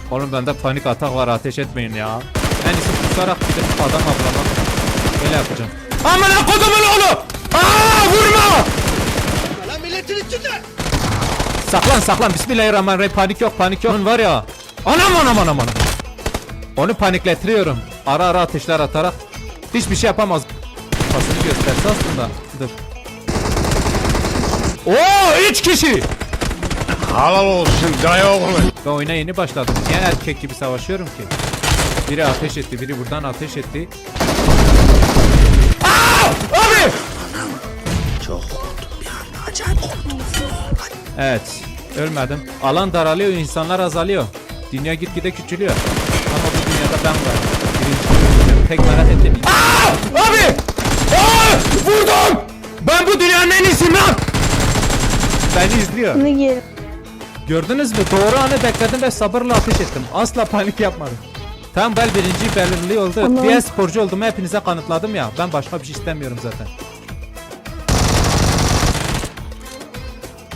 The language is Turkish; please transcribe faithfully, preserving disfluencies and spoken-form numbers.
Oğlum bende panik atak var, ateş etmeyin ya. En iyisi kusarak gidip adam avlamak. Böyle yapacağım. Amına kodumun oğlu! Aa, vurma! Lan milletin içinde! Saklan saklan, bismillahirrahmanirrahim. Panik yok, panik yok. Onun var ya. Anam anam anam anam. Onu paniklettiriyorum. Ara ara ateşler atarak. Hiçbir şey yapamaz. Kafasını gösterse aslında. Dur. Oo, üç kişi. Halal olsun dayı oğlu. Ben oyuna yeni başladım. Niye erkek gibi savaşıyorum ki? Biri ateş etti, biri buradan ateş etti. Aa! Abi! Çok korktum bir anda, acayip korktum. Evet, ölmedim. Alan daralıyor, insanlar azalıyor. Dünya gitgide küçülüyor. Ama bu dünyada ben varım. Birinci pek merak ettim. Aa! Abi! Aa! Vurdum! Ben bu dünyanın en iyisiyim lan! Beni izliyor. Ne gel? Gördünüz mü? Doğru anı bekledim ve sabırla ateş ettim. Asla panik yapmadım. Tam ben birinci belirli oldu. Tamam. Diğer sporcu olduğumu hepinize kanıtladım ya. Ben başka bir şey istemiyorum zaten.